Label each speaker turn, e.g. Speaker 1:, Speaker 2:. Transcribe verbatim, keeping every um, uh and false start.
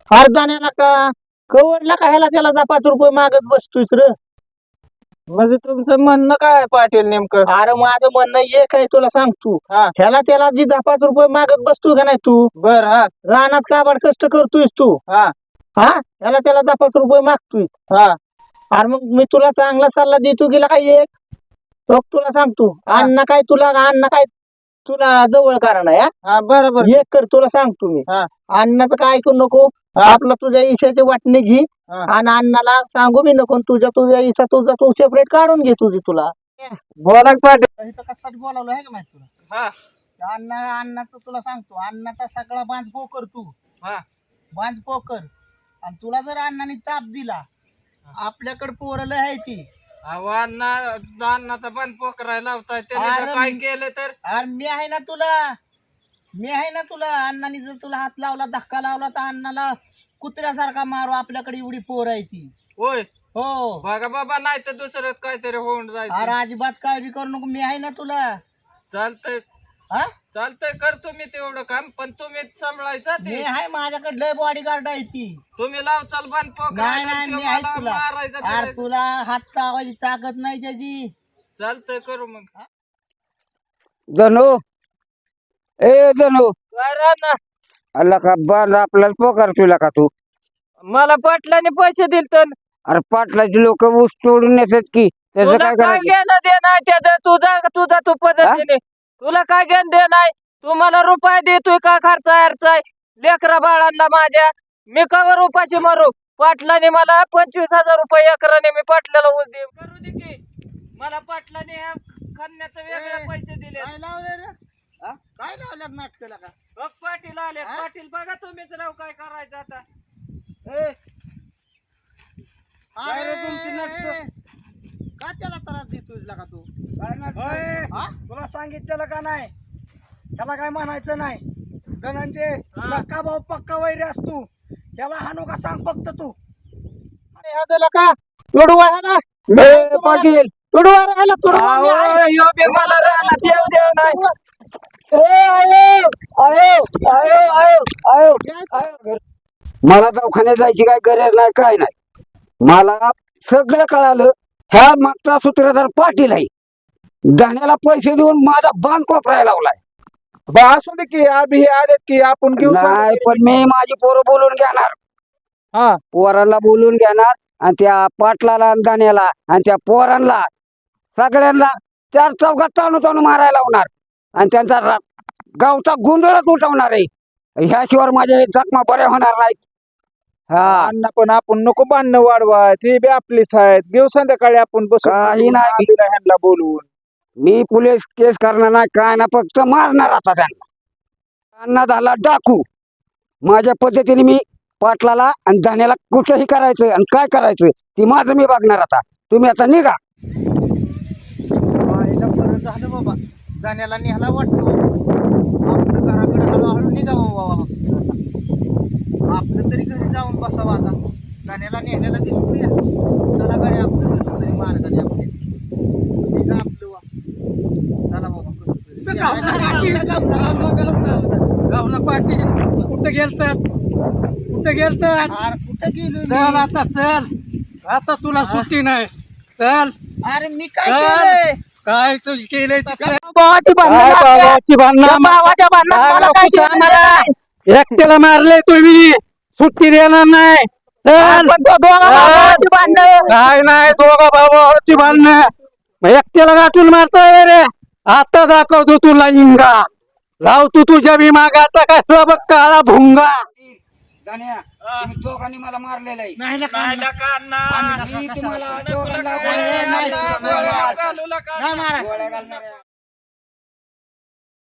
Speaker 1: अर्धाण्याला का कवरला का ह्याला त्याला जा पाच रुपये मागत बसतोयस र.
Speaker 2: म्हणजे तुमचं म्हणणं काय आहे पाटील नेमकं?
Speaker 1: अरे माझं म्हणणं एक आहे तुला सांगतो,
Speaker 2: हा
Speaker 1: ह्याला त्याला जी दहा पाच रुपये मागत बसतोय का नाही तू,
Speaker 2: बर हा
Speaker 1: रानात काबाड कष्ट करतोयस तू,
Speaker 2: हा
Speaker 1: हा ह्याला त्याला दहा पाच रुपये मागतोय.
Speaker 2: हा
Speaker 1: अरे मग मी तुला चांगला सल्ला देतो गेला काय एक बघ तुला सांगतो,
Speaker 2: हा.
Speaker 1: अन्न काय तुला अन्न काय तुला जवळ कारण आहे हा?
Speaker 2: हा बरोबर
Speaker 1: एक कर तुला सांगतो मी,
Speaker 2: हा
Speaker 1: अन्नाचं काय ऐकू नको.
Speaker 2: हा.
Speaker 1: आपला तुझ्या ईशाचे वाटणे घे
Speaker 2: हा.
Speaker 1: आणि अण्णाला सांगू मी नको. तुझ्या तुझ्या ईशा तुझा तू सेपरेट काढून घे तुझी तुला.
Speaker 2: बोला की पाटील.
Speaker 1: इथं कशासाठी बोलावलं आहे का माहिती तुला?
Speaker 2: हा
Speaker 1: अण्णा अण्णाचं तुला सांगतो, अण्णाचा सगळा बांध पोकर तू
Speaker 2: हा
Speaker 1: बांध पोकर. आणि तुला जर अण्णाने ताप दिला, आपल्याकडे पोरं लय आहे ती.
Speaker 2: अहो अण्णा अण्णाचा पण पोकरायला लावताय त्याने
Speaker 1: अरे
Speaker 2: जर काय
Speaker 1: मी-
Speaker 2: केलं तर
Speaker 1: अरे मी आहे ना तुला, मी आहे ना तुला. अण्णाने जर तुला हात लावला धक्का लावला तर अण्णाला कुत्र्यासारखा मारू. आपल्याकडे एवढी पोर आहे ती.
Speaker 2: होय
Speaker 1: हो
Speaker 2: बघा बाबा, नाही तर दुसरं काहीतरी होऊन
Speaker 1: अरे
Speaker 2: जायचं.
Speaker 1: अजिबात काळजी करू नको, मी आहे ना तुला.
Speaker 2: चालतंय
Speaker 1: हा
Speaker 2: चालतंय, करतो मी तेवढं काम, पण तुम्ही सांभाळायचं
Speaker 1: मी
Speaker 2: ते.
Speaker 1: आहे, माझ्याकडे लय बॉडीगार्ड आहे ती.
Speaker 2: तुम्ही लावचाल पण
Speaker 1: नाही नाही मी आहे तुला.
Speaker 2: मारायचं
Speaker 1: अरे
Speaker 2: बिरायचं.
Speaker 1: तुला हात लावायची ताकद नाही त्याची.
Speaker 2: चालतंय, करू मग.
Speaker 3: जणू ए जणू
Speaker 2: काय राहणार?
Speaker 3: अल्ला का बांध आपल्याला पोकार तुला का तू.
Speaker 2: मला पाटलाने पैसे दिले तर
Speaker 3: अरे पाटलाची लोक ऊस तोडून येतात की त्याचं
Speaker 2: तुला
Speaker 3: काय
Speaker 2: काय
Speaker 3: करायचं.
Speaker 2: घेणं देणं आहे त्याचं? तुझा तुझा तू पद्धतीने तुला काय घेणं देणं आहे? तू मला रुपये देतोय का खर्च आहे लेकरा बाळांना माझ्या? मी कवर उपाशी मारू? पाटलाने मला पंचवीस हजार रुपये एकराने मी पाटलाला ऊस दे करू दे की. मला पाटलाने ह्या खणण्याचे वेगळे पैसे दिले.
Speaker 1: काय लावलं रे? हा? काय लावल्यात नाटकाला का?
Speaker 2: बघ पाटील आले.
Speaker 1: हा?
Speaker 2: पाटील बघा तुम्हीच राव काय करायचं आता.
Speaker 1: ए,
Speaker 2: काय रे
Speaker 1: अरे,
Speaker 2: तुमची नाटकं?
Speaker 1: का त्याला त्रास देतोय का तू?
Speaker 2: होय.
Speaker 1: हा?
Speaker 2: तुला सांगितलेलं का नाही? त्याला काय म्हणायचं नाही. धनंजय
Speaker 1: हा.
Speaker 2: सक्का भाऊ पक्का वैरी असतो. त्याला हाणू का सांग फक्त तू.
Speaker 1: अरे ह्या त्याला का तुडवा ह्याला?
Speaker 3: ए, पाटील
Speaker 1: तुडवा रे ह्याला, तुडवा. मी आहे.
Speaker 2: अहो, ह्यो बी मला रानात येऊ देऊ नाही.
Speaker 3: ए, आयो, आयो, आयो, आयो, आयो, आयो. मला दवाखान्यात जायची काय गरज नाही, काय नाही. मला सगळं कळालं. ह्या मागचा सूत्रधार पाटील आहे. धान्याला पैसे देऊन माझा बांध कोपरायला लावलाय.
Speaker 2: असू दे की आम्ही आलेत की आपण घेऊ.
Speaker 3: नाही पण मी माझी पोरं बोलून घेणार.
Speaker 2: हा
Speaker 3: पोरांना बोलून घेणार आणि त्या पाटलाला आणि दाण्याला आणि त्या पोरांना सगळ्यांना चार चौघात ताणू ताणू मारायला लावणार आणि त्यांचा रा- गावचा गोंधळच उठवणार आहे. ह्याशिवाय माझ्या जखमा बऱ्या होणार नाहीत. हा
Speaker 2: अण्णा पण आपण नको बांधणं वाढवा. ते बी आपलीच आहेत. घेऊ संध्याकाळी आपण बसून
Speaker 3: काही नाही.
Speaker 2: आलेला ह्यांना बोलवून.
Speaker 3: मी पोलीस केस करणार नाही, काय ना, फक्त मारणार आता त्यांना. त्यांना झाला डाकू. माझ्या पद्धतीने मी पाटलाला आणि धान्याला कुठेही करायचं आणि काय करायचं ती माझं मी बघणार. आता तुम्ही आता निघा.
Speaker 1: आईला बरं झालं बाबा, जाण्याला निघाला वाटतो. आपलं घराकडे हळूहळू निघावं बाबा. आपलं तरी घरी जाऊन बसावं आता. जाण्याला नेहण्याला दिसतोय. चला गाडी आपलं कसं तरी मार्गाने आपले निघा आपलं वा. चला बाबा कसं तरी.
Speaker 2: गावला पाटील कुठं गेलतात? कुठं गेलतात?
Speaker 1: अरे कुठं गेलो
Speaker 2: चल
Speaker 1: मी?
Speaker 2: आता चल. आता तुला सुट्टी नाही. चल.
Speaker 1: अरे मी काय
Speaker 2: चल.
Speaker 1: केलंय?
Speaker 2: काय तू केलंय ते काय?
Speaker 1: भावाची भांडणं
Speaker 2: काय
Speaker 1: लागल्या.
Speaker 2: भावाची भांडणं?
Speaker 1: त्या भावाच्या भांडणात
Speaker 2: काय
Speaker 1: मला काय
Speaker 2: कुठं
Speaker 1: केलं
Speaker 2: आणणार
Speaker 1: नाही.
Speaker 2: आहे? एकट्याला मारले तुम्ही, सुट्टी देणार नाही. चल.
Speaker 1: आपण तो दोघा भावाची भांडणं.
Speaker 2: काय नाही, दोघा भावाची भांडणं. मग एकट्याला गाठून मारतोय रे. आता दाखवतो तुला इंगा. लाव तू तुझ्या बी मागाचा कसला बघ काळा भुंगा.
Speaker 3: दाण्या, तुम्ही दोघांनी मला मारलेलं आहे.
Speaker 1: नाही नका,
Speaker 2: नाही नका अण्णा.
Speaker 1: आम्ही नका,
Speaker 3: मी
Speaker 1: कशाला?
Speaker 3: तुम्हाला
Speaker 2: नको
Speaker 3: दोघांना
Speaker 2: नका,
Speaker 3: गोळ्या
Speaker 2: नाही,
Speaker 3: घालणार
Speaker 2: नाही,
Speaker 3: आहे.
Speaker 2: गोळ्या घालू नका.
Speaker 1: नाही मारा.
Speaker 3: गोळ्या घालणार आहे.